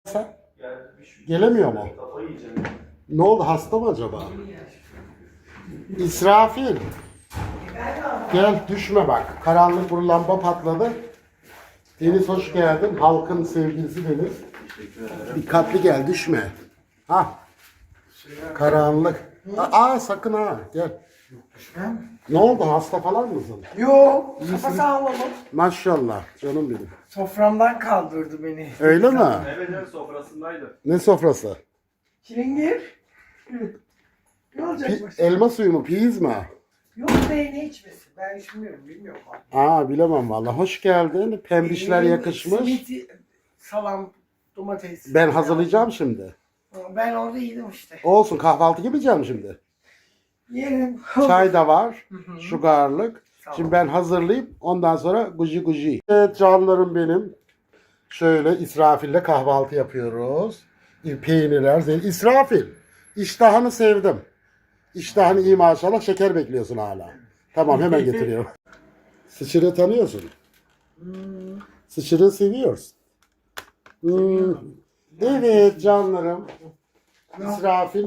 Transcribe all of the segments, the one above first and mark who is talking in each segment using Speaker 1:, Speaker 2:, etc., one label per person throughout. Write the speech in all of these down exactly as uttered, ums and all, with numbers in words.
Speaker 1: Sen? Gelemiyor mu? Ne oldu? Hasta mı acaba? İsrafil. Gel düşme bak. Karanlık bir lamba patladı. Deniz hoş geldin. Halkın sevgilisi Deniz. Dikkatli gel düşme. Ha. Karanlık. Aa sakın ha gel. Ne oldu? Hasta falan mısın?
Speaker 2: Yok, kafa sağlamım.
Speaker 1: Maşallah canım benim.
Speaker 2: Soframdan kaldırdı beni.
Speaker 1: Öyle mi?
Speaker 3: Evet evet sofrasındaydı.
Speaker 1: Ne sofrası?
Speaker 2: Çilingir. Ne olacak
Speaker 1: Pi-
Speaker 2: başka?
Speaker 1: elma suyu mu? Piyiz mi?
Speaker 2: Yok be, ne içmesi? Ben içmiyorum, bilmiyorum.
Speaker 1: Aa bilemem vallahi. Hoş geldin. Pembişler
Speaker 2: Ee,
Speaker 1: yakışmış.
Speaker 2: Simit, salam, domates.
Speaker 1: Ben hazırlayacağım şimdi.
Speaker 2: Ben orada yedim işte.
Speaker 1: Olsun kahvaltı yapacağım şimdi.
Speaker 2: Yerim.
Speaker 1: Çay da var.
Speaker 2: hı.
Speaker 1: Sugarlık.
Speaker 2: Tamam.
Speaker 1: Şimdi ben hazırlayayım. Ondan sonra guji guji. Evet canlarım benim. Şöyle İsrafil'le kahvaltı yapıyoruz. Peynirler, zeytin. İsrafil. İştahını sevdim. İştahını iyi maşallah. Şeker bekliyorsun hala. Tamam hemen getiriyorum. Sıçırı tanıyorsun.
Speaker 2: Hmm.
Speaker 1: Sıçırı seviyorsun. Hmm. Evet canlarım. İsrafil.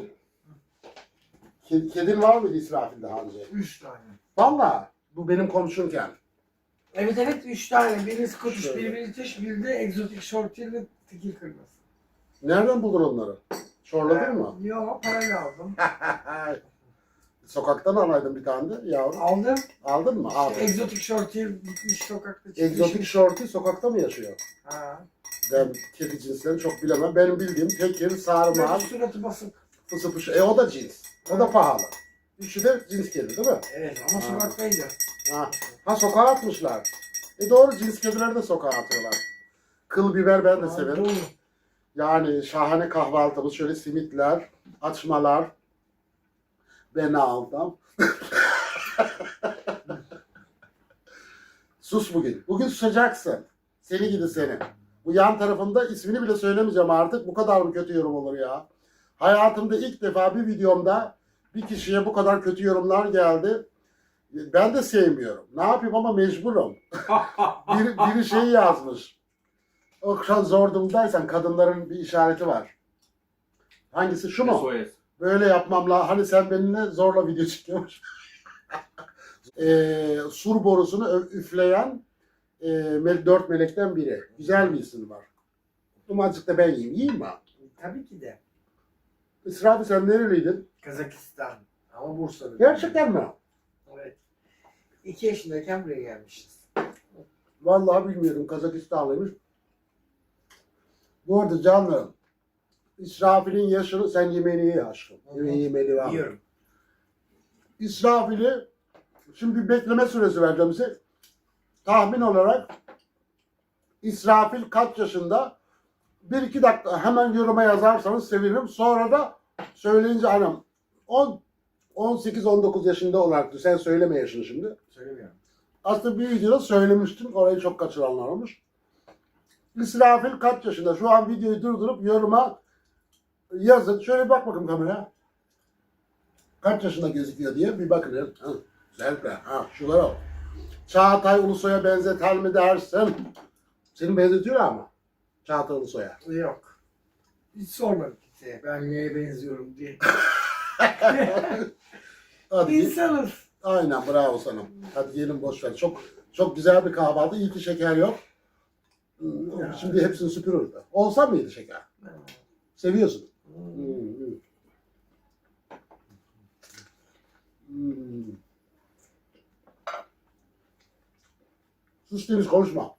Speaker 1: Ked- Kedin var mıydı İsrafil daha önce?
Speaker 2: Üç tane.
Speaker 1: Valla bu benim komşumken.
Speaker 2: Evet evet, üç tane. Biri Scottish,
Speaker 1: Şöyle.
Speaker 2: biri British, biri de egzotik shorthair ve tekil kırmızı.
Speaker 1: Nereden buldun onları? Çorladın mı?
Speaker 2: Yok, parayla aldım.
Speaker 1: Sokaktan alaydın bir tane de yavrum.
Speaker 2: Aldım.
Speaker 1: Aldın mı? Abi.
Speaker 2: Egzotik shorthair gitmiş sokakta çıkmış.
Speaker 1: Egzotik shorty sokakta mı yaşıyor?
Speaker 2: Ha.
Speaker 1: Ben kedi cinslerini çok bilemem. Benim bildiğim tekir, sarmal,
Speaker 2: Böyle suratı basık.
Speaker 1: fısı fışı. E o da cins. O da pahalı. Üçü de cins kedi değil mi?
Speaker 2: Evet ama
Speaker 1: Ha.
Speaker 2: sokaktaydı.
Speaker 1: Ha, ha sokağa atmışlar. E doğru cins kedileri de sokağa atıyorlar. Kıl biber ben de severim.
Speaker 2: Doğru.
Speaker 1: Yani şahane kahvaltımız. Şöyle simitler, açmalar. Ben aldım. Sus bugün. Bugün susacaksın. Seni gidi seni. Bu yan tarafında ismini bile söylemeyeceğim artık. Bu kadar mı kötü yorum olur ya? Hayatımda ilk defa bir videomda bir kişiye bu kadar kötü yorumlar geldi. Ben de sevmiyorum. Ne yapayım ama mecburum. biri, biri şey yazmış. O kadar zor durumdaysan kadınların bir işareti var. Hangisi? Şu mu?
Speaker 3: S O S.
Speaker 1: Böyle yapmamla hani sen benimle zorla video çekiyormuş. e, sur borusunu ö- üfleyen e, mel- dört melekten biri. Güzel bir isim var. Azıcık da ben yiyeyim. Yiyeyim mi?
Speaker 2: Tabii ki de.
Speaker 1: İsrafil sen nereliydin?
Speaker 2: Kazakistan. Ama Bursa'da.
Speaker 1: Gerçekten mi?
Speaker 2: Evet. İki yaşındayken buraya gelmişiz.
Speaker 1: Vallahi bilmiyordum. Kazakistanlıymış. Bu arada canlarım. İsrafil'in yaşını sen yemeğini ye aşkım.
Speaker 2: Hı hı.
Speaker 1: Yemeği yemeli var.
Speaker 2: Yiyorum.
Speaker 1: İsrafil'i şimdi bir bekleme süresi vereceğim size. Tahmin olarak İsrafil kaç yaşında? Bir iki dakika hemen yoruma yazarsanız sevinirim. Sonra da söyleyince anam on, on sekiz on dokuz yaşında olarak sen söyleme yaşını şimdi.
Speaker 2: Söylemiyorum.
Speaker 1: Aslında bir videoda söylemiştim. Orayı çok kaçıranlar olmuş. İsrafil kaç yaşında? Şu an videoyu durdurup yoruma yazın. Şöyle bir bak bakayım kameraya. Kaç yaşında gözüküyor diye bir bakın. Ya. Ha, güzel be. Ha, şunlara bak. Çağatay Ulusoy'a benzeter mi dersin? Seni benzetiyor ama. Çağatay Ulusoy'a.
Speaker 2: Yok. Hiç sormadım kimseye. Ben neye benziyorum diye.
Speaker 1: Hadi git.
Speaker 2: İnsanız.
Speaker 1: Aynen bravo sana. Hadi yiyelim boş ver. Çok çok güzel bir kahvaltı. İyi ki şeker yok. Hmm,
Speaker 2: Ya.
Speaker 1: Şimdi hepsini süpürürdü. Olsa mıydı şeker? Seviyorsun.
Speaker 2: Hmm.
Speaker 1: Hmm. Hmm. Sus Deniz konuşma.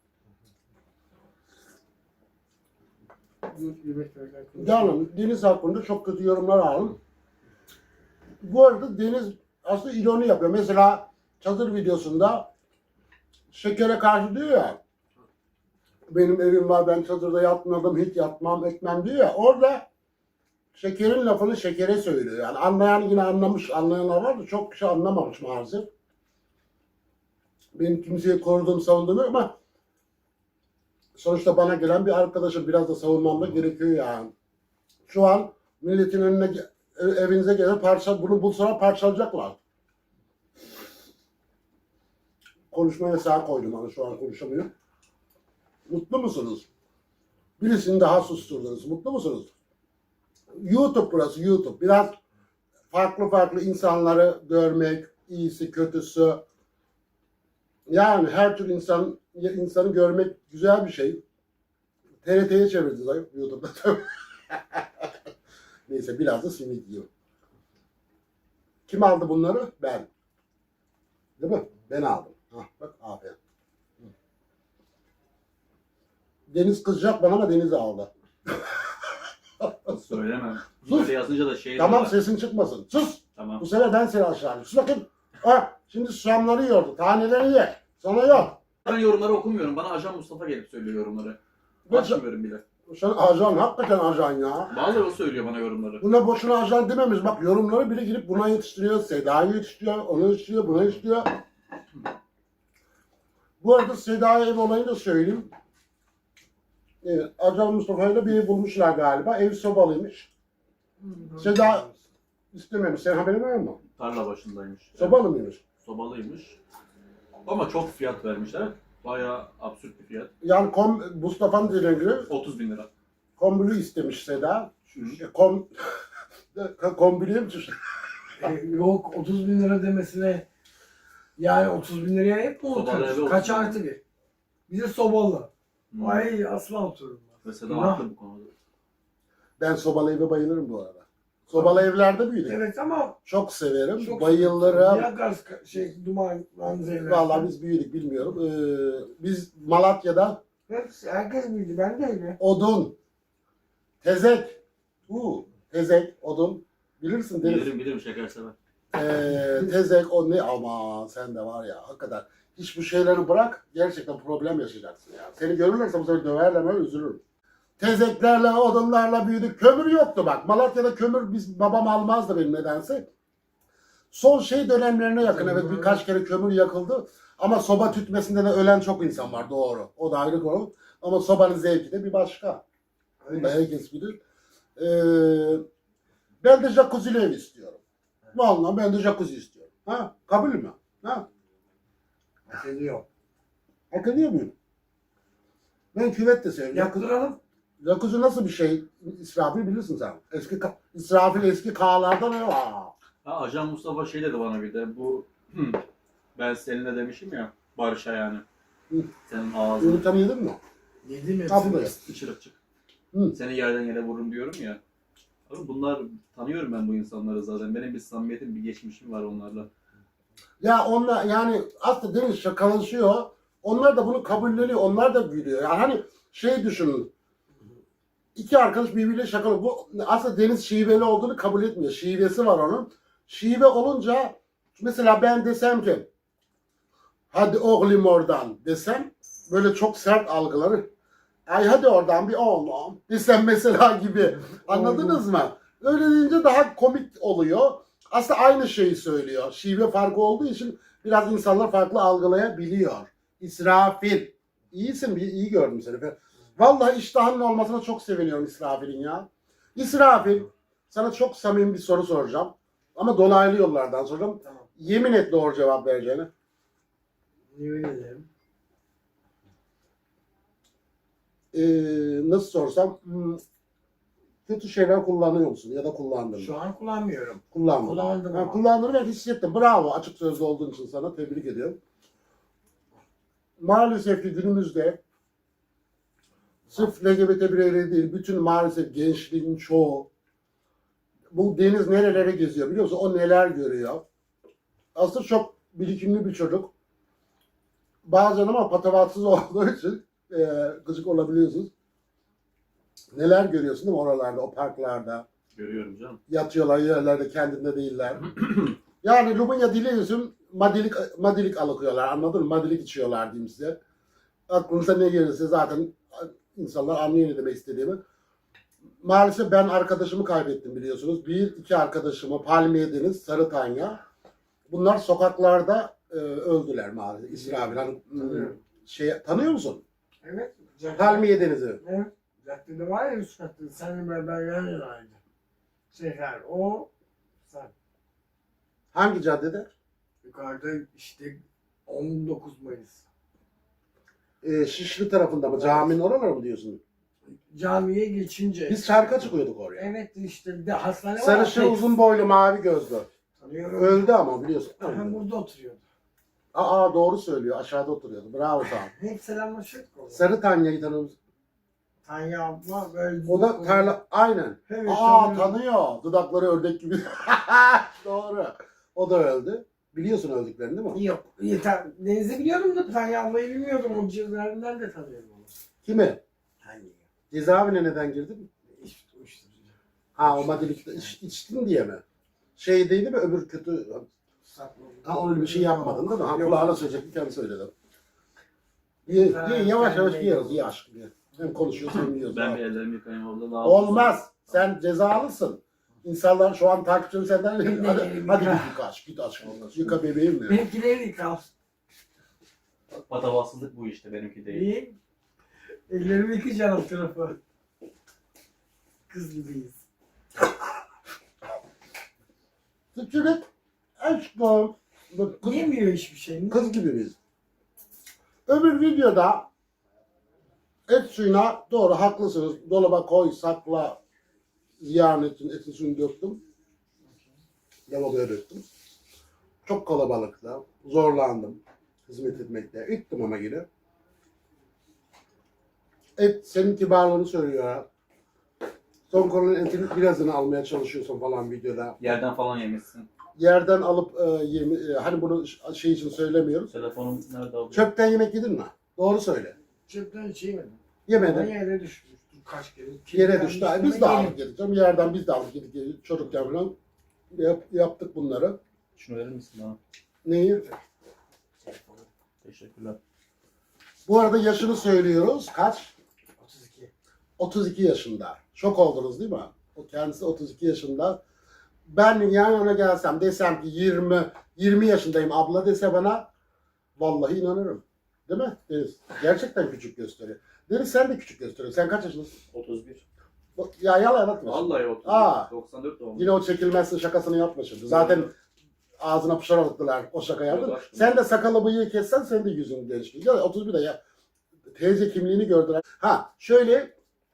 Speaker 1: Canım Deniz hakkında çok kötü yorumlar aldım. Bu arada Deniz aslında ironi yapıyor. Mesela çadır videosunda şekere karşı diyor ya, benim evim var ben çadırda yatmadım hiç yatmam etmem diyor ya, orada şekerin lafını şekere söylüyor. Yani anlayan yine anlamış, anlayanlar var da çok kişi anlamamış maalesef. Benim kimseyi koruduğum savunduğum yok ama sonuçta bana gelen bir arkadaşım, biraz da savunmam da gerekiyor yani. Şu an milletin önüne evinize gelen parça, bunu bulsalar parçalayacaklar. Konuşma yasağı koydum ama şu an konuşamıyor. Mutlu musunuz? Birisini daha susturdunuz. Mutlu musunuz? YouTube burası, YouTube. Biraz farklı farklı insanları görmek, iyisi, kötüsü. Yani her tür insan insanı görmek güzel bir şey. T R T'ye çevirdi zayıf YouTube'da tabii. Neyse biraz da simit yiyor. Kim aldı bunları? Ben. Değil mi? Ben aldım. Hah, bak aferin. Deniz kızacak bana ama Deniz aldı.
Speaker 3: Söylemem.
Speaker 1: Sus.
Speaker 3: Böyle yazınca da şey
Speaker 1: Tamam
Speaker 3: diyorlar.
Speaker 1: sesin çıkmasın. Sus.
Speaker 3: Tamam.
Speaker 1: Bu sefer ben seni aşağı alayım. Sus bakayım. Ha, şimdi susamları yiyordu. Taneleri ye. Sana yok.
Speaker 3: Ben yorumları okumuyorum. Bana Ajan Mustafa gelip söylüyor yorumları.
Speaker 1: Ne-
Speaker 3: Açmıyorum bile.
Speaker 1: Sen ajan, hakikaten ajan ya.
Speaker 3: Vallahi o söylüyor bana yorumları.
Speaker 1: Buna boşuna ajan dememiş. Bak yorumları bile girip buna yetiştiriyor. Seda'yı yetiştiriyor, onu yetiştiriyor, buna yetiştiriyor. Bu arada Seda'ya ev olayını da söyleyeyim. Evet, Ajan Mustafa'yla bir ev bulmuşlar galiba. Ev sobalıymış. Seda istememiş. Senin haberin var mı?
Speaker 3: Tarla başındaymış.
Speaker 1: Sobalı mıymış?
Speaker 3: Sobalıymış. Ama çok fiyat vermişler. Bayağı absürt bir fiyat.
Speaker 1: Yani kom, Mustafa'nın dediğine göre
Speaker 3: otuz bin lira.
Speaker 1: kombülü istemiş Seda.
Speaker 3: Hı.
Speaker 1: E, Kom, kombülüye mi düştü?
Speaker 2: E, yok otuz bin lira demesine yani otuz bin liraya hep mi
Speaker 3: Sobalı eve
Speaker 2: otururuz?
Speaker 3: otuz
Speaker 2: Kaç
Speaker 3: bin.
Speaker 2: artı bir? Bize sobalı.
Speaker 3: Hı.
Speaker 2: Ay asla otururum.
Speaker 3: Mesela
Speaker 2: Günah.
Speaker 3: haklı bu konuda.
Speaker 1: Ben sobalı eve bayılırım bu arada. Sobalı evlerde büyüdüm.
Speaker 2: Evet ama
Speaker 1: Çok severim.
Speaker 2: çok
Speaker 1: bayılırım.
Speaker 2: Ya gaz şey duman manzara.
Speaker 1: Vallahi biz büyüdük bilmiyorum. Ee, biz Malatya'da
Speaker 2: Hepsi, herkes bildi. Ben de öyle.
Speaker 1: odun, tezek, uu, tezek, odun. Bilirsin Deniz.
Speaker 3: Bilirim bilirim şeker sever.
Speaker 1: Ee, tezek, o ne? Aman sen de var ya hakikaten. Hiç bu şeyleri bırak. Gerçekten problem yaşayacaksın ya. Seni görürlerse bu sefer döverler ben üzülürüm. Tezeklerle, odunlarla büyüdük. Kömür yoktu bak. Malatya'da kömür biz babam almazdı benim nedense. Son şey dönemlerine yakın evet birkaç kere kömür yakıldı. Ama soba tütmesinde de ölen çok insan var doğru. O da ayrı konu. Ama sobanın zevki de bir başka. Bunu da herkes bilir. Ee, ben de jacuzzi'li ev istiyorum. Vallahi ben de jacuzzi istiyorum. Ha, kabul mü? Ha,
Speaker 2: Hak ediyor.
Speaker 1: hak ediyor muyum? Ben küvet de seviyorum. Jacuzzi,
Speaker 2: Yaptıralım.
Speaker 1: jacuzzi nasıl bir şey? İsrafil bilirsin sen. Eski ka- İsrafil eski kağlardan ne var?
Speaker 3: Ha, Ajan Mustafa şey dedi bana bir de bu hı, ben seninle demişim ya Barış'a yani.
Speaker 1: Hı.
Speaker 3: Senin ağzını
Speaker 1: Yumurtanı yedin mi?
Speaker 2: Yedim hepsini.
Speaker 1: Ha buraya.
Speaker 3: çırık çık.
Speaker 1: Hı.
Speaker 3: Seni yerden yere vururum diyorum ya. Abi bunlar tanıyorum ben bu insanları zaten. Benim bir samimiyetim, bir geçmişim var onlarla.
Speaker 1: Ya onlar yani aslında Deniz şakalaşıyor. Onlar da bunu kabulleniyor. Onlar da gülüyor. Yani hani şey düşünün. İki arkadaş birbiriyle şakalı. Bu aslında Deniz şiveli olduğunu kabul etmiyor. Şivesi var onun. Şive olunca mesela ben desem ki hadi oğlum oradan desem böyle çok sert algıları. Ay hadi oradan bir oğlum desem mesela gibi. Anladınız mı? Öyle deyince daha komik oluyor. Aslında aynı şeyi söylüyor. Şive farkı olduğu için biraz insanlar farklı algılayabiliyor. İsrafil. İyisin, bir iyi gördüm seni. Vallahi iştahının olmasına çok seviniyorum İsrafil'in ya. İsrafil, sana çok samimi bir soru soracağım. Ama dolaylı yollardan soracağım.
Speaker 2: Tamam.
Speaker 1: Yemin et doğru cevap vereceğini.
Speaker 2: Yemin ederim.
Speaker 1: Ee, nasıl sorsam, hmm, kötü şeyler kullanıyor musun ya da kullandın mı?
Speaker 2: Şu an kullanmıyorum.
Speaker 1: Kullandım.
Speaker 2: Kullandım
Speaker 1: Ha,
Speaker 2: ama.
Speaker 1: kullandığını ben hissettim. Bravo. Açık sözlü olduğun için sana tebrik ediyorum. Maalesef ki günümüzde sırf L G B T bireyleri değil, bütün maalesef gençliğin çoğu bu Deniz nerelere geziyor biliyor musun? O neler görüyor. Aslında çok birikimli bir çocuk. Bazen ama patavatsız olduğu için e, gıcık olabiliyorsunuz. Neler görüyorsun değil mi oralarda, o parklarda?
Speaker 3: Görüyorum canım.
Speaker 1: Yatıyorlar yerlerde, kendinde değiller. Yani Rumunya dili yüzüm madilik, madilik alıkıyorlar, anladın mı? Madilik içiyorlar diyeyim size. Aklınıza ne gelirse zaten insanlar anlıyor ne demek istediğimi. Maalesef ben arkadaşımı kaybettim biliyorsunuz. Bir, iki arkadaşımı Palmiye Deniz, Sarı Tanya. Bunlar sokaklarda e, öldüler maalesef. İsrail. Hani,
Speaker 2: Tanıyorum.
Speaker 1: şey, tanıyor musun?
Speaker 2: Evet. Caddede-
Speaker 1: Palmiye Denizi.
Speaker 2: Evet. Caddede var ya üst katta. Seninle beraber yan yanaydı. Seher o sen.
Speaker 1: Hangi caddede?
Speaker 2: Yukarıda işte on dokuz Mayıs.
Speaker 1: E, Şişli tarafında mı? Caminin oraları mı diyorsun?
Speaker 2: Camiye geçince.
Speaker 1: Biz şarkı çıkıyorduk oraya.
Speaker 2: Evet işte bir de hastane var.
Speaker 1: Sarışın
Speaker 2: tek-
Speaker 1: uzun boylu mavi gözlü.
Speaker 2: Tanıyorum.
Speaker 1: Öldü ama biliyorsun.
Speaker 2: Aha, burada oturuyordu.
Speaker 1: Aa doğru söylüyor. Aşağıda oturuyordu. Bravo tamam.
Speaker 2: Hep selamlaşıyorduk orada.
Speaker 1: Sarı Tanya'yı tanıyor musun?
Speaker 2: Tanya abla böyle.
Speaker 1: O da tarla... Aynen.
Speaker 2: Evet,
Speaker 1: Aa
Speaker 2: tanıyorum.
Speaker 1: tanıyor. Dudakları ördek gibi. Doğru. O da öldü. Biliyorsun öldüklerini değil mi?
Speaker 2: Yok. Yeter. Deniz'i biliyorum da Tanya ablayı bilmiyordum. O cihazlarından da tanıyorum onu.
Speaker 1: Kimi?
Speaker 2: Tanya.
Speaker 1: Cezaevine neden girdin?
Speaker 2: İşte uyuşturucu.
Speaker 1: Ha o maddelikte iç, içtin diye mi? Şey değil mi öbür kötü...
Speaker 2: Sakladım.
Speaker 1: Ha öyle bir şey yapmadın değil mi? Ha
Speaker 2: Yok.
Speaker 1: kulağına söyleyecektim kendi söyledim. Ye,
Speaker 2: Ha,
Speaker 1: ye, yavaş yavaş
Speaker 2: ben
Speaker 1: yiyoruz.
Speaker 2: de-
Speaker 1: Ye aşkım ye. Hem konuşuyoruz hem yiyoruz.
Speaker 3: Ben bir ellerimi yıkayayım abla. Daha
Speaker 1: Olmaz. Sen cezalısın. İnsanlar şu an takipçilerin senden
Speaker 2: Ben de
Speaker 1: hadi,
Speaker 2: yerim
Speaker 1: hadi
Speaker 2: ya.
Speaker 1: git yıka aşk, git aşkım. Yıka bebeğim mi?
Speaker 2: Benimkileri yıkal.
Speaker 3: Patavatsızlık bu işte, benimki değil.
Speaker 2: İyi. Ellerimi yıkayacağım alt tarafı. Kız gibiyiz.
Speaker 1: Sıçırık aşkım. Bak, Kız,
Speaker 2: Yemiyor hiçbir şey.
Speaker 1: kız gibi biz. Öbür videoda et suyuna doğru haklısınız. Dolaba koy, sakla. Ziyan etsin, etin suyunu döktüm. Lavaboya döktüm. Çok kalabalıkta. Zorlandım. Hizmet etmekte. Ettim ama yine. Et senin kibarlığını söylüyor ha. Son konunun etinin birazını almaya çalışıyorsun falan videoda.
Speaker 3: Yerden falan yemişsin.
Speaker 1: Yerden alıp e, yemi, e, hani bunu ş- şey için söylemiyoruz.
Speaker 3: Telefonum nerede abi?
Speaker 1: Çöpten yemek yedin mi? Doğru söyle.
Speaker 2: Çöpten hiç yemedim.
Speaker 1: Yemedim.
Speaker 2: Ben yere düşmüştüm kaç kere.
Speaker 1: Yere
Speaker 2: Kirlenmiş
Speaker 1: düştü.
Speaker 2: ama
Speaker 1: Biz de
Speaker 2: yerim.
Speaker 1: aldık yedik. Canım. Yerden biz de aldık yedik. Çocukken falan yap, yaptık bunları.
Speaker 3: Şunu verir misin bana?
Speaker 1: Neyi?
Speaker 3: Teşekkürler.
Speaker 1: Bu arada yaşını söylüyoruz. Kaç?
Speaker 2: otuz iki.
Speaker 1: otuz iki yaşında. Şok oldunuz değil mi? O kendisi otuz iki yaşında. Ben yan yana gelsem desem ki yirmi yirmi yaşındayım abla dese bana vallahi inanırım. Değil mi Deniz? Gerçekten küçük gösteriyor. Deniz sen de küçük gösteriyorsun. Sen kaç yaşındasın?
Speaker 3: otuz bir.
Speaker 1: Ya yalan atma.
Speaker 3: Vallahi otuz bir.
Speaker 1: Aa.
Speaker 3: doksan dört doğumlu.
Speaker 1: Yine o çekilmezsin şakasını yapma şimdi. Zaten ağzına pışar attılar o şaka yaptın.
Speaker 3: Yok aşkım.
Speaker 1: Sen de sakalı bıyığı kessen senin de yüzün gençliği. Ya otuz bir de ya teyze kimliğini gördüler. Ha şöyle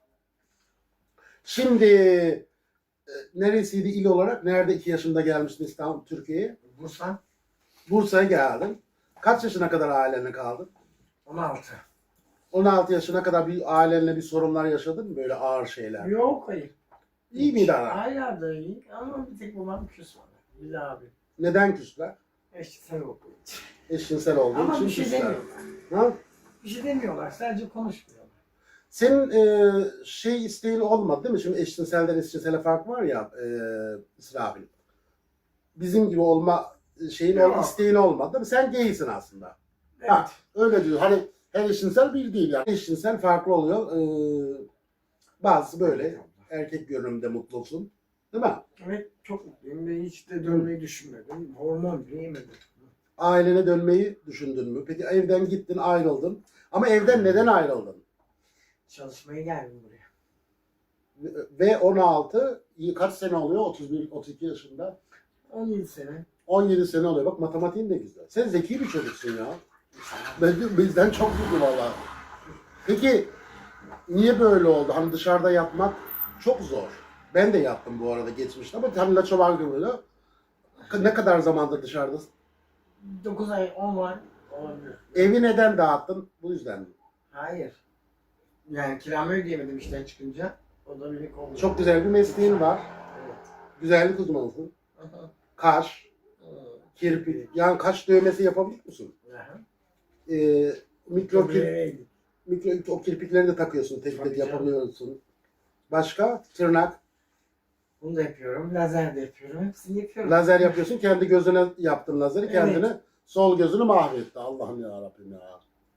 Speaker 1: şimdi e, neresiydi il olarak? Nerede iki yaşında gelmiştin İstanbul, Türkiye'ye?
Speaker 2: Bursa
Speaker 1: Bursa'ya geldin. Kaç yaşına kadar ailenle kaldın?
Speaker 2: on altı.
Speaker 1: on altı yaşına kadar bir ailenle bir sorunlar yaşadın mı? Böyle ağır şeyler.
Speaker 2: Yok hayır.
Speaker 1: İyi miydi ara?
Speaker 2: Hala da iyi ama bir tek babam küs bana. Bir de abi.
Speaker 1: Neden küsler?
Speaker 2: İşte sen okuyor.
Speaker 1: Eşcinsel olduğu
Speaker 2: Ama
Speaker 1: için
Speaker 2: bir şey
Speaker 1: küsler.
Speaker 2: demiyorlar.
Speaker 1: Ha?
Speaker 2: Bir şey demiyorlar. Sadece konuşmuyorlar.
Speaker 1: Senin e, şey isteğin olmadı değil mi? Şimdi eşcinselden eşcinsele fark var ya e, İsrafil. Bizim gibi olma şeyin ol,
Speaker 2: Yok.
Speaker 1: isteğin olmadı değil mi? Sen gaysin aslında.
Speaker 2: Evet.
Speaker 1: Ha, öyle diyor. Hani her eşcinsel bir değil yani. Eşcinsel farklı oluyor. Ee, bazısı böyle erkek görünümde mutlusun. Değil mi?
Speaker 2: Evet çok mutluyum ve hiç de dönmeyi düşünmedim. Hormon bile yemedim.
Speaker 1: Ailene dönmeyi düşündün mü? Peki evden gittin, ayrıldın. Ama evden neden ayrıldın?
Speaker 2: Çalışmaya geldim buraya.
Speaker 1: Ve on altı, kaç sene oluyor? otuz bir, otuz iki yaşında.
Speaker 2: on yedi sene.
Speaker 1: on yedi sene oluyor. Bak matematiğin de güzel. Sen zeki bir çocuksun ya. Ben, bizden çok zeki valla. Peki niye böyle oldu? Hani dışarıda yapmak çok zor. Ben de yaptım bu arada geçmişte ama hani Laço var gibi. Ne kadar zamandır dışarıdasın?
Speaker 2: dokuz ay on var olabilir.
Speaker 1: Evi neden dağıttın? Bu yüzden mi?
Speaker 2: Hayır. Yani kiramı ödeyemedim işten çıkınca. O da beni kovdu.
Speaker 1: Çok güzel bir mesleğin var.
Speaker 2: Evet.
Speaker 1: Güzellik uzmanısın.
Speaker 2: Aha.
Speaker 1: Kaş,
Speaker 2: Hı.
Speaker 1: kirpi. Yani kaş dövmesi yapabilir misin?
Speaker 2: Aha.
Speaker 1: Ee, mikro, kir,
Speaker 2: Öyleydi.
Speaker 1: mikro o kirpikleri de takıyorsun. Tek
Speaker 2: Tabii
Speaker 1: tek
Speaker 2: canım.
Speaker 1: yapabiliyorsun. Başka? Tırnak.
Speaker 2: Bunu da yapıyorum. Lazer de yapıyorum. Hepsini yapıyorum.
Speaker 1: Lazer yapıyorsun. Kendi gözüne yaptın lazeri.
Speaker 2: Evet.
Speaker 1: Kendini sol gözünü mahvetti. Allah'ım ya Rabbim ya.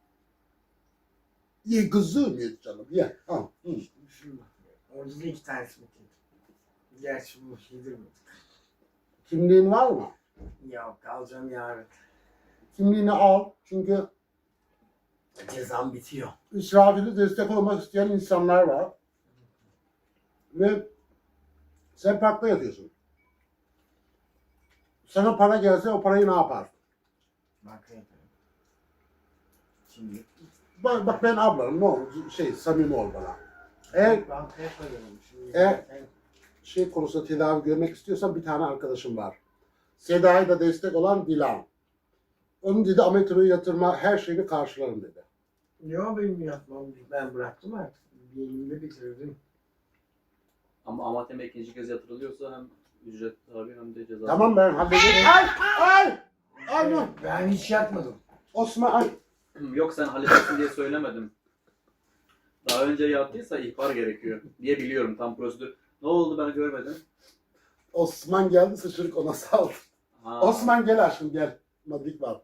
Speaker 1: Ye kızım ye canım. Ye. Al. Hı.
Speaker 2: Şunu bak. Orada da iki tanesi bitirdim. Gerçi bunu yedirmedim.
Speaker 1: Kimliğin var mı?
Speaker 2: Yok alacağım yarın.
Speaker 1: Kimliğini al. Çünkü
Speaker 2: Cezam bitiyor.
Speaker 1: İsrafil'e destek olmak isteyen insanlar var. Ve sen parkta yatıyorsun. Sana para gelse o parayı ne yapar?
Speaker 2: Banka yaparım. Şimdi
Speaker 1: Bak, bak ben ablanım ne olur şey samimi ol bana. Eğer
Speaker 2: Ben hep öyleyim. Şimdi
Speaker 1: Evet. şey konusunda tedavi görmek istiyorsan bir tane arkadaşım var. Seda'ya da destek olan Dilan. Onun dedi ametroyu yatırma her şeyini karşılarım dedi.
Speaker 2: Yok benim yapmam. Ben bıraktım artık. Bir elimde bitirdim.
Speaker 3: Ama amateme ikinci kez yatırılıyorsa hem ücret tabi hem de ceza.
Speaker 1: Tamam ben hallederim. Ay! Ay! Ay! dur.
Speaker 2: Ben hiç yapmadım.
Speaker 1: Osman ay!
Speaker 3: Yok sen halledersin diye söylemedim. Daha önce yaptıysa ihbar gerekiyor diye biliyorum tam prosedür. Ne oldu ben görmedim.
Speaker 1: Osman geldi sıçırık ona saldı.
Speaker 3: Ha.
Speaker 1: Osman gel aşkım gel. Madrid var.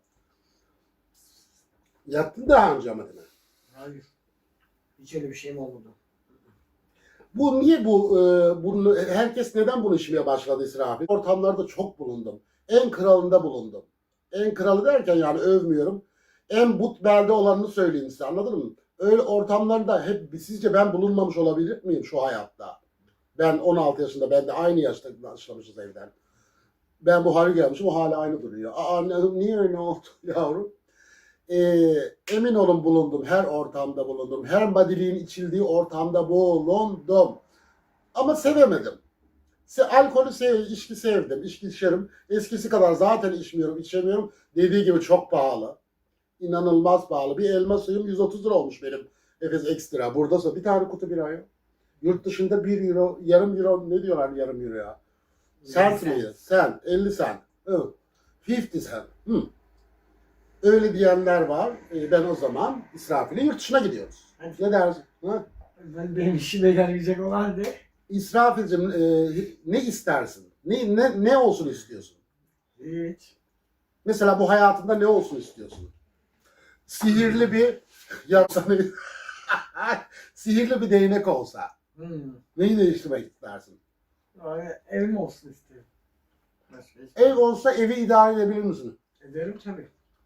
Speaker 1: Yattın daha önce ama değil mi?
Speaker 2: Hayır. Hiç öyle bir şeyim olmadı.
Speaker 1: Bu niye bu e, bunu herkes neden bunu içmeye başladı İsrafil? Ortamlarda çok bulundum. En kralında bulundum. En kralı derken yani övmüyorum. En but belde olanını söyleyeyim size anladın mı? Öyle ortamlarda hep sizce ben bulunmamış olabilir miyim şu hayatta? Ben on altı yaşında ben de aynı yaşta başlamışız evden. Ben bu hale gelmişim o hala aynı duruyor. Aa ne- niye öyle oldu yavrum? Ee, emin olun bulundum. Her ortamda bulundum. Her madiliğin içildiği ortamda bulundum. Ama sevemedim. Se alkolü sev, içki sevdim. İçki içerim. Eskisi kadar zaten içmiyorum, içemiyorum. Dediği gibi çok pahalı. İnanılmaz pahalı. Bir elma suyum yüz otuz lira olmuş benim. Efes Ekstra. Buradasa bir tane kutu bira yok. Yurt dışında bir euro, yarım euro ne diyorlar yarım euro ya? Sent miydi? Sen, elli sent. Hı. elli sent. Hı. Öyle diyenler var. Ee, ben o zaman İsrafil'e yurt dışına gidiyoruz. Ne dersin? Ha?
Speaker 2: Ben benim işime yarayacak olan de.
Speaker 1: İsrafil'cim e, ne istersin? Ne, ne, ne olsun istiyorsun?
Speaker 2: Hiç.
Speaker 1: Mesela bu hayatında ne olsun istiyorsun? Sihirli bir yapsanı sihirli bir değnek olsa
Speaker 2: Hmm.
Speaker 1: neyi değiştirmek istersin?
Speaker 2: Yani evim olsun istiyorum. Başka hiç.
Speaker 1: Ev olsa evi idare edebilir misin?
Speaker 2: Ederim tabii.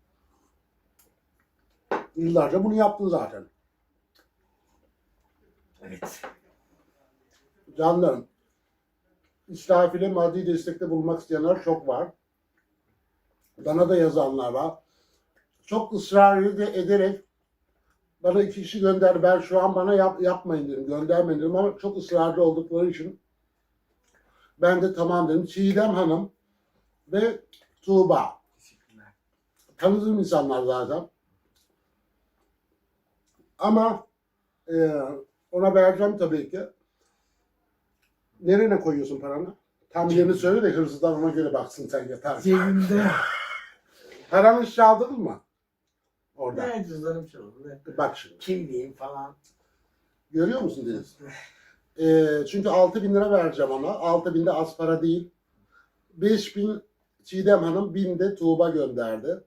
Speaker 1: Yıllarca bunu yaptın zaten.
Speaker 2: Evet.
Speaker 1: Canlarım. İsrafil'e maddi destekte bulunmak isteyenler çok var. Bana da yazanlar var. Çok ısrar ed- ederek bana iki kişi gönderdi. Ben şu an bana yap, yapmayın dedim, göndermeyin dedim ama çok ısrarcı oldukları için ben de tamam dedim. Çiğdem Hanım ve Tuğba.
Speaker 2: Teşekkürler.
Speaker 1: Tanıdığım insanlar zaten. Ama e, ona vereceğim tabii ki. Nereye koyuyorsun paranı? Tam yerini söyle de hırsızlar ona göre baksın sen yeter.
Speaker 2: Cebimde.
Speaker 1: Paranı hiç çaldın mı? Orada.
Speaker 2: Ne cüzdanım çalındı.
Speaker 1: Bak şimdi.
Speaker 2: Kimliğim falan.
Speaker 1: Görüyor musun Deniz? Ee, çünkü altı bin lira vereceğim ona. altı bin de az para değil. beş bin Çiğdem Hanım, bin de Tuğba gönderdi.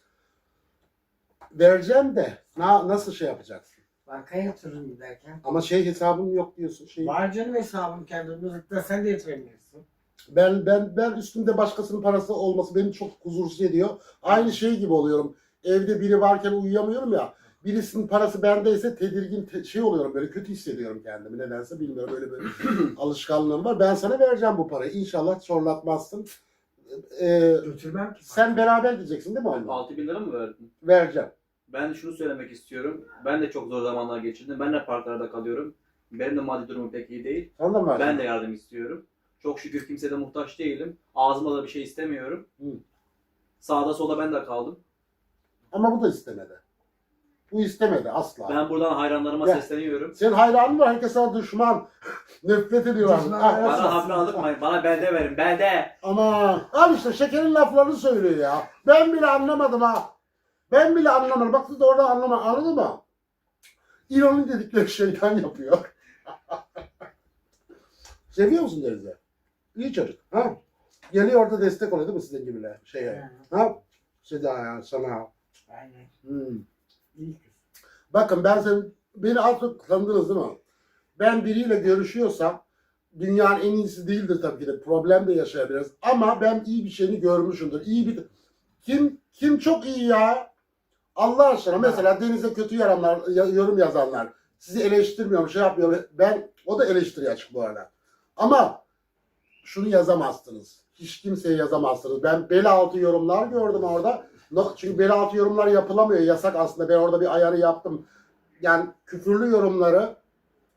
Speaker 1: Vereceğim de na, nasıl şey yapacaksın?
Speaker 2: Bankaya yatırırım giderken.
Speaker 1: Ama şey hesabım yok diyorsun. Şey,
Speaker 2: Var canım hesabım kendimizde. Sen de yatırabilirsin.
Speaker 1: ben ben ben üstümde başkasının parası olması beni çok huzursuz ediyor. Aynı şey gibi oluyorum. Evde biri varken uyuyamıyorum ya. Birisinin parası bendeyse tedirgin te- şey oluyorum, böyle kötü hissediyorum kendimi nedense bilmiyorum, öyle böyle alışkanlığım var. Ben sana vereceğim bu parayı. İnşallah çorlatmazsın. Ee,
Speaker 2: Götürmem ki.
Speaker 1: sen beraber gideceksin değil mi onunla?
Speaker 3: altı bin lira mı verdin?
Speaker 1: Vereceğim.
Speaker 3: Ben şunu söylemek istiyorum. Ben de çok zor zamanlar geçirdim. Ben de parklarda kalıyorum. Benim de maddi durumum pek iyi değil.
Speaker 1: Sana da mı vereceğim?
Speaker 3: Ben de yardım istiyorum. Çok şükür kimseye de muhtaç değilim. Ağzıma da bir şey istemiyorum.
Speaker 1: Hı.
Speaker 3: Sağda solda ben de kaldım.
Speaker 1: Ama bu da istemedi. Bu istemedi asla.
Speaker 3: Ben buradan hayranlarıma
Speaker 1: Gel.
Speaker 3: sesleniyorum.
Speaker 1: Senin hayranın var. Herkes sana düşman. Nefret ediyorlar.
Speaker 2: Düşman,
Speaker 1: Ah,
Speaker 2: evet.
Speaker 1: ah,
Speaker 3: Bana hafif aldıkmayın. Bana belde verin. Belde.
Speaker 1: Ama al işte şekerin laflarını söylüyor ya. Ben bile anlamadım ha. Ben bile anlamadım. Bak siz de orada anlama. Anladın mı? İroni dedikleri şeytan yapıyor. Seviyor musun Deniz'i? İyi çocuk. Ha? Geliyor orada destek oluyor değil mi sizin gibiler? Şeye. Ha? Seda ya sana.
Speaker 2: Aynen.
Speaker 1: Hmm.
Speaker 2: İyi kız.
Speaker 1: Bakın ben sen beni az çok tanıdınız değil mi? Ben biriyle görüşüyorsam dünyanın en iyisi değildir tabii ki de. Problem de yaşayabiliriz. Ama ben iyi bir şeyini görmüşümdür. İyi bir kim kim çok iyi ya? Allah aşkına mesela Deniz'e kötü yaranlar, ya- yorum yazanlar. Sizi eleştirmiyorum, şey yapmıyorum. Ben o da eleştiri açık bu arada. Ama şunu yazamazsınız. Hiç kimseye yazamazsınız. Ben bel altı yorumlar gördüm orada. No- Çünkü bel altı yorumlar yapılamıyor. Yasak aslında. Ben orada bir ayarı yaptım. Yani küfürlü yorumları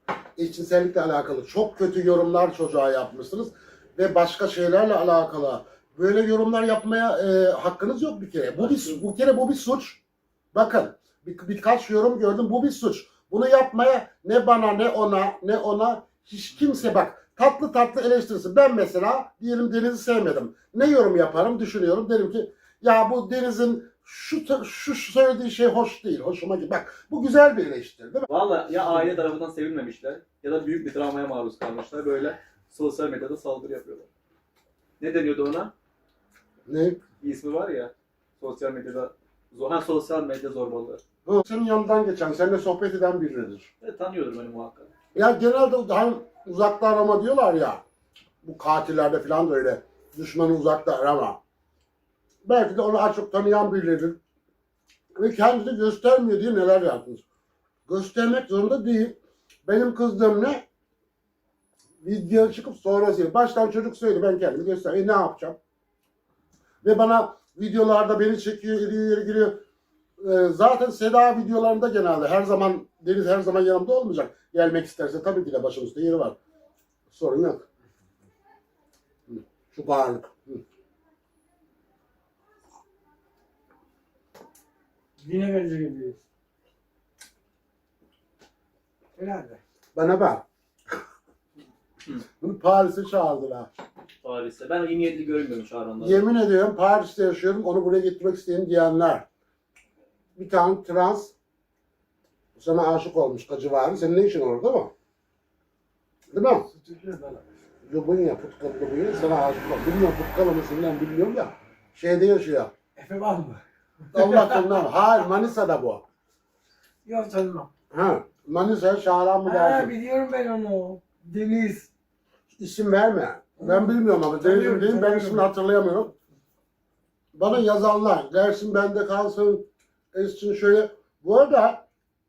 Speaker 1: eşcinsellikle alakalı çok kötü yorumlar çocuğa yapmışsınız ve başka şeylerle alakalı böyle yorumlar yapmaya e, hakkınız yok bir kere. Bu bir bu kere bu bir suç. Bakın bir, birkaç yorum gördüm. Bu bir suç. Bunu yapmaya ne bana ne ona ne ona hiç kimse bak tatlı tatlı eleştirsin. Ben mesela diyelim Deniz'i sevmedim. Ne yorum yaparım düşünüyorum. Derim ki ya bu Deniz'in şu şu söylediği şey hoş değil. Hoşuma gidiyor. Bak bu güzel bir eleştiri değil mi?
Speaker 3: Valla ya aile tarafından sevilmemişler ya da büyük bir travmaya maruz kalmışlar. Böyle sosyal medyada saldırı yapıyorlar. Ne deniyordu ona?
Speaker 1: Ne?
Speaker 3: Bir ismi var ya. Sosyal medyada zor, ha, sosyal medya zorbalığı.
Speaker 1: Bu senin yanından geçen, seninle sohbet eden biridir.
Speaker 3: Evet, tanıyordur beni muhakkak.
Speaker 1: Ya genelde hani uzakta arama diyorlar ya. Bu katillerde falan da öyle. Düşmanı uzakta arama. Belki de onu az çok tanıyan biridir. Ve kendini göstermiyor diye neler yaptınız. Göstermek zorunda değil. Benim kızdığım ne? Video çıkıp sonrası. Baştan çocuk söyledi ben kendimi göster. E ne yapacağım? Ve bana videolarda beni çekiyor, iriyor, yeri giriyor. Ee, zaten Seda videolarında genelde her zaman Deniz her zaman yanımda olmayacak. Gelmek isterse tabii ki de başımızda yeri var. Sorun yok. Hı, şu bağırlık. Hı.
Speaker 2: Yine gece gibiyiz. Herhalde.
Speaker 1: Bana bak. Bunu Paris'e çağırdılar.
Speaker 3: Paris'te. Ben iyi niyetli görünmüyorum çağıranları.
Speaker 1: Yemin ediyorum Paris'te yaşıyorum. Onu buraya getirmek isteyen diyenler. Bir tane trans sana aşık olmuş civarı. Senin ne işin orada mı? Değil mi? Lubunya, Putkal Lubunya sana aşık olmuş. Bilmiyorum Putkal mısın ben bilmiyorum da. Şeyde yaşıyor.
Speaker 2: Efe var mı?
Speaker 1: Allah korusun. Hayır Manisa'da bu.
Speaker 2: Yok tanımam.
Speaker 1: Ha, Manisa Şahran mı
Speaker 2: Ha,
Speaker 1: dersin?
Speaker 2: biliyorum ben onu. Deniz.
Speaker 1: İsim verme. Ben bilmiyorum ama Deniz'im
Speaker 2: Tanıyorum,
Speaker 1: değil. Ben
Speaker 2: tanıyorum.
Speaker 1: ismini hatırlayamıyorum. Bana yazanlar. Dersin bende kalsın. Esin şöyle. Bu arada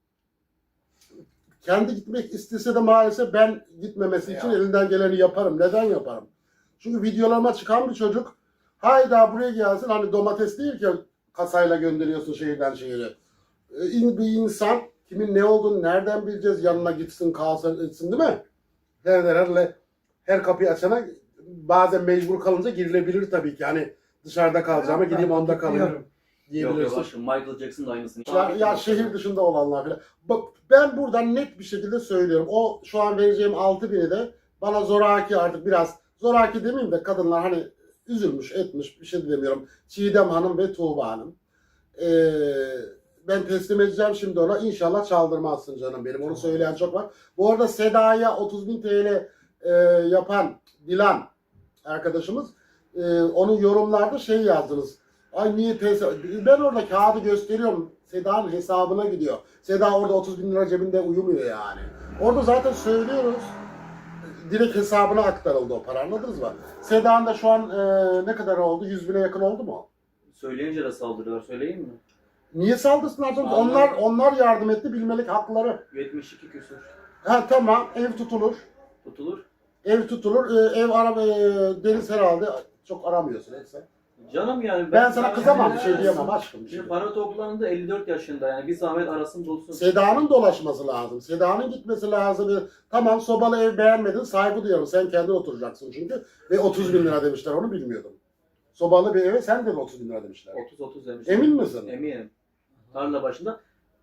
Speaker 1: kendi gitmek istese de maalesef ben gitmemesi için
Speaker 2: Ya.
Speaker 1: elinden geleni yaparım. Neden yaparım? Çünkü videolarıma çıkan bir çocuk hayda buraya gelsin. Hani domates değil ki kasayla gönderiyorsun şehirden şehire. Ee, bir insan kimin ne olduğunu nereden bileceğiz? Yanına gitsin kalsın etsin değil mi? Her, her, her kapıyı açana bazen mecbur kalınca girilebilir tabii ki. Hani dışarıda kalacağıma gideyim onda kalayım
Speaker 2: Biliyorum.
Speaker 3: Yok yok
Speaker 1: diyebilirsin.
Speaker 3: aşkım, Michael Jackson da aynısını.
Speaker 1: Ya, ya şehir dışında olanlar falan. Bak ben buradan net bir şekilde söylüyorum. O şu an vereceğim altı bini de bana zoraki artık biraz zoraki demeyeyim de kadınlar hani üzülmüş etmiş bir şey demiyorum. Çiğdem Hanım ve Tuğba Hanım. Ee, ben teslim edeceğim şimdi ona. İnşallah çaldırmazsın canım benim. Onu söyleyen çok var. Bu arada Seda'ya otuz bin T L e, yapan Dilan arkadaşımız e, onun yorumlarda şey yazdınız. Ay niye pes... Ben orada kağıdı gösteriyorum. Seda'nın hesabına gidiyor. Seda orada otuz bin lira cebinde uyumuyor yani. Orada zaten söylüyoruz. Direkt hesabına aktarıldı o para, anladınız mı? Seda'nın da şu an e, ne kadar oldu? yüz bine yakın oldu mu?
Speaker 3: Söyleyince de saldırıyorlar, söyleyeyim mi?
Speaker 1: Niye saldırsınlar canım?
Speaker 3: Vallahi.
Speaker 1: Onlar onlar yardım etti, bilmelik hakları.
Speaker 3: yetmiş iki küsur.
Speaker 1: Ha tamam, ev tutulur.
Speaker 3: Tutulur.
Speaker 1: Ev tutulur. E, ev arama, e, Deniz herhalde çok aramıyorsun hep sen.
Speaker 3: Canım yani.
Speaker 1: Ben sana kızamam, bir şey
Speaker 3: Yani-
Speaker 1: diyemem aşkım. Bir şey
Speaker 3: Şimdi
Speaker 1: diyemem.
Speaker 3: para toplanında elli dört yaşında, yani bir zahmet arasın bulsun.
Speaker 1: Seda'nın dolaşması lazım. Seda'nın gitmesi lazım. Tamam sobalı ev beğenmedin, saygı duyuyorum. Sen kendin oturacaksın çünkü. Ve otuz bin lira demişler, onu bilmiyordum. Sobalı bir eve sen de otuz bin lira demişler.
Speaker 3: otuz otuz demiş.
Speaker 1: Emin misin?
Speaker 3: Eminim. Tarla başında.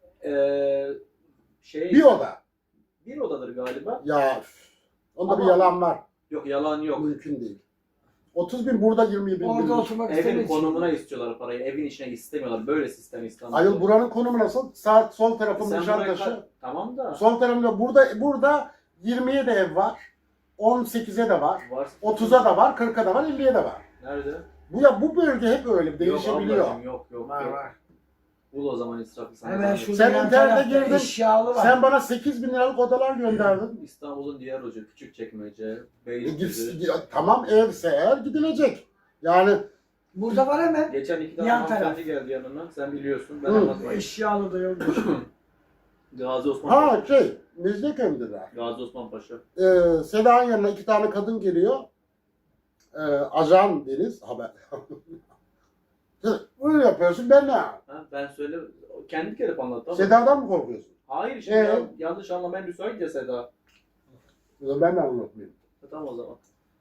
Speaker 3: Ee, şey,
Speaker 1: Bir oda.
Speaker 3: bir odadır galiba.
Speaker 1: Ya üf, onda
Speaker 3: Ama-
Speaker 1: bir yalan var.
Speaker 3: Yok, yalan yok.
Speaker 1: Mümkün değil. otuz bin burada yirmi bin.
Speaker 2: Orada
Speaker 1: bin.
Speaker 2: oturmak
Speaker 3: Evin
Speaker 2: istemek için.
Speaker 3: konumuna istiyorlar parayı. Evin içine istemiyorlar. Böyle sistem İstanbul'da.
Speaker 1: Ayol buranın konumu nasıl? Sağ, sol tarafın
Speaker 3: Sen buraya
Speaker 1: Nişantaşı.
Speaker 3: kal- Tamam da.
Speaker 1: Sol tarafında burada burada yirmiye de ev var. on sekize de var.
Speaker 3: Var.
Speaker 1: otuza da var, kırka da var, elliye de var.
Speaker 3: Nerede?
Speaker 1: Bu ya bu bölge hep öyle
Speaker 3: Yok
Speaker 1: değişebiliyor.
Speaker 3: ablacığım, yok yok.
Speaker 2: Var
Speaker 3: yok.
Speaker 2: var.
Speaker 3: Bul o zaman israfı sana.
Speaker 2: Hemen
Speaker 3: zahmet.
Speaker 2: şurada
Speaker 1: Sen
Speaker 2: yan
Speaker 1: internete
Speaker 2: tarafta
Speaker 1: girdin,
Speaker 2: eşyalı var.
Speaker 1: Sen bana sekiz bin liralık odalar gönderdin.
Speaker 3: İstanbul'un diğer ucu Küçükçekmece,
Speaker 1: E,
Speaker 3: Beylikdüzü.
Speaker 1: git- ya, tamam evse eğer gidilecek. Yani
Speaker 2: Burada var hemen.
Speaker 3: Geçen iki tane
Speaker 2: Yan
Speaker 3: hanımefendi geldi yanına. Sen biliyorsun. Ben
Speaker 1: Hı.
Speaker 3: anlatmayayım.
Speaker 2: Eşyalı da yok.
Speaker 3: Gazi Osman Paşa.
Speaker 1: ha şey Mecidiyeköy'deler.
Speaker 3: Gazi Osman Paşa.
Speaker 1: Ee, Seda'nın yanına iki tane kadın geliyor. Ee, ajan Deniz haber. Böyle yapıyorsun ben ne?
Speaker 3: Ha, ben söyle. Kendi gelip anlattı ama.
Speaker 1: Seda'dan mı korkuyorsun?
Speaker 3: Hayır şimdi
Speaker 1: Ee?
Speaker 3: ya- yanlış anlamaya müsait ya Seda.
Speaker 1: Ben de anlatmayayım.
Speaker 3: E, tamam o zaman.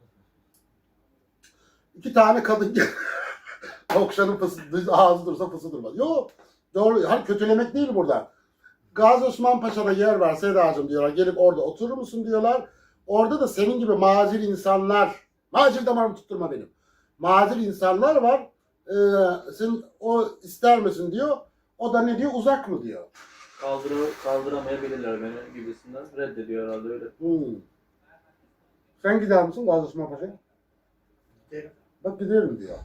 Speaker 1: İki tane kadın gel. Okşanın fısı, ağzı dursa fısı durmaz. Yok. Doğru. Hani kötülemek değil burada. Gazi Osman Paşa'da yer var Sedacığım diyorlar. Gelip orada oturur musun diyorlar. Orada da senin gibi macir insanlar, macir damarımı tutturma benim. Macir insanlar var. Ee, sen o ister misin diyor. O da ne diyor? Uzak mı diyor.
Speaker 3: Kaldıra, kaldıramayabilirler beni gibisinden. Reddediyor herhalde öyle.
Speaker 1: Hmm. Sen gider misin Gazi Osman Paşa'ya?
Speaker 2: Giderim.
Speaker 1: Bak giderim diyor.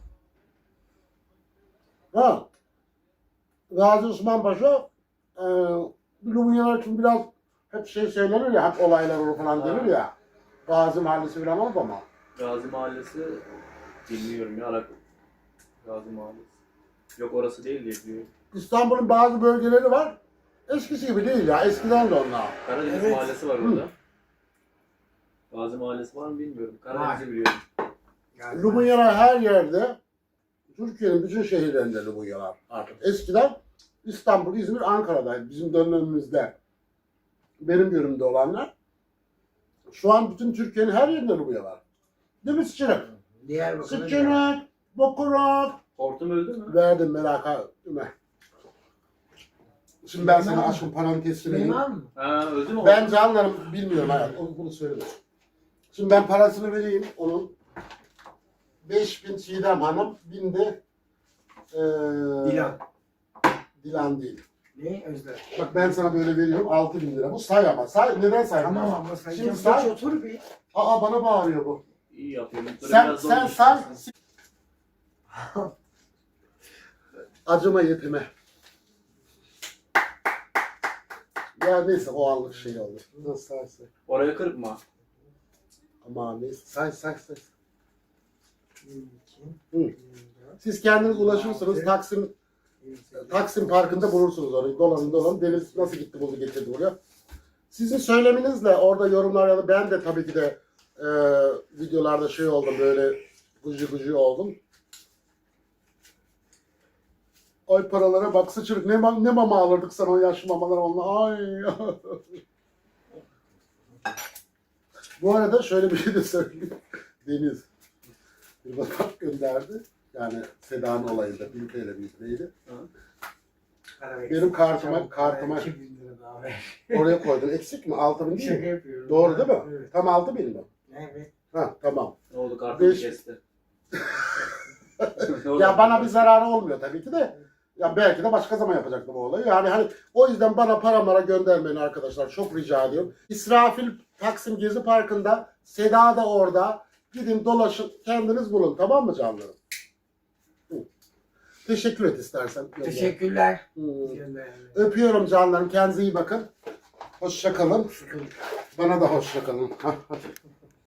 Speaker 1: Ha. Gazi Osman Paşa e, Lumunyalar için biraz hep şey söylenir ya, hep olaylar olur falan denir ya. Gazi Mahallesi falan oldu ama.
Speaker 3: Gazi Mahallesi bilmiyorum ya. Arak... Gazi Mahallesi. Yok orası değil diye biliyorum.
Speaker 1: İstanbul'un bazı bölgeleri var. Eskisi gibi değil ya. Eskiden de onlar.
Speaker 3: Karadeniz
Speaker 2: Evet.
Speaker 3: Mahallesi var orada. Gazi Mahallesi var mı bilmiyorum. Karadeniz'i biliyorum.
Speaker 2: Yani
Speaker 1: Lumunyalar her yerde. Türkiye'nin bütün şehirlerinde Lumunyalar artık. Eskiden İstanbul, İzmir, Ankara'daydı. Bizim dönemimizde. Benim görümde olanlar. Şu an bütün Türkiye'nin her yerinde Lumunyalar. Değil mi Sıçırık?
Speaker 2: Diyarbakır'da
Speaker 1: Sıçırık, Bokuruk.
Speaker 3: Hortum öldü mü?
Speaker 1: Verdim merak etme. Şimdi ben sana aşkın parantezini vereyim.
Speaker 2: Süleyman mı?
Speaker 3: Ha öldü mü?
Speaker 1: Ben canlarım bilmiyorum hayat. Onu bunu söyleme. Şimdi ben parasını vereyim onun. beş bin Çiğdem Hanım, bin de ee,
Speaker 2: Dilan.
Speaker 1: Dilan değil.
Speaker 2: Ne? Özlem.
Speaker 1: Bak ben sana böyle veriyorum altı bin lira. Bu say ama. Say. Neden saymıyorsun?
Speaker 2: Tamam ama sen
Speaker 1: Şimdi
Speaker 2: geç
Speaker 1: say.
Speaker 2: otur bir.
Speaker 1: Aa bana bağırıyor bu.
Speaker 3: İyi yapıyorum. Dur,
Speaker 1: Sen
Speaker 3: biraz zor
Speaker 1: sen
Speaker 3: düşün.
Speaker 1: say. Acıma yetime. Ya neyse o anlık şey oldu. Nasıl say say.
Speaker 3: Oraya kırpma.
Speaker 1: Ama neyse say say say.
Speaker 2: Bir, iki,
Speaker 1: Hı.
Speaker 2: bir, dört,
Speaker 1: Siz kendiniz ulaşırsınız. Taksim
Speaker 2: bir, sekiz.
Speaker 1: Taksim Parkı'nda bulursunuz orayı. Dolanın dolanın. Deniz nasıl gitti bunu getirdi buraya. Sizin söyleminizle orada yorumlar ya da ben de tabii ki de e, videolarda şey oldum böyle gıcı gıcı oldum. Ay paralara bak Sıçırık ne, ma- ne mama alırdık sana o yaşlı mamalar onunla. Ay. Bu arada şöyle bir şey de söyleyeyim. Deniz bir bakat gönderdi. Yani Seda'nın olayında bin T L bir neydi?
Speaker 2: Para ver.
Speaker 1: Benim kartıma
Speaker 2: Çabuk,
Speaker 1: kartıma
Speaker 2: iki bin lira daha ver.
Speaker 1: oraya koydun. Eksik mi? altı bin değil
Speaker 2: Şaka
Speaker 1: mi?
Speaker 2: yapıyorum.
Speaker 1: Doğru değil mi?
Speaker 2: Evet.
Speaker 1: Tam altı bin mi?
Speaker 2: Evet.
Speaker 1: Ha tamam.
Speaker 3: Ne oldu? Kartını
Speaker 1: Beş-
Speaker 3: kesti. Ne oldu?
Speaker 1: Ya bana bir zararı olmuyor tabii ki de. Ya belki de başka zaman yapacaktım o olayı. Yani hani o yüzden bana para mara göndermeyin arkadaşlar. Çok rica ediyorum. İsrafil Taksim Gezi Parkı'nda, Seda da orada. Gidin dolaşın kendiniz bulun. Tamam mı canlarım? Hı. Teşekkür et istersen.
Speaker 2: Teşekkürler.
Speaker 1: Hı.
Speaker 2: Gönderme.
Speaker 1: Öpüyorum canlarım. Kendinize iyi bakın. Hoşça kalın.
Speaker 2: Sıkıntı.
Speaker 1: Bana da hoşça kalın.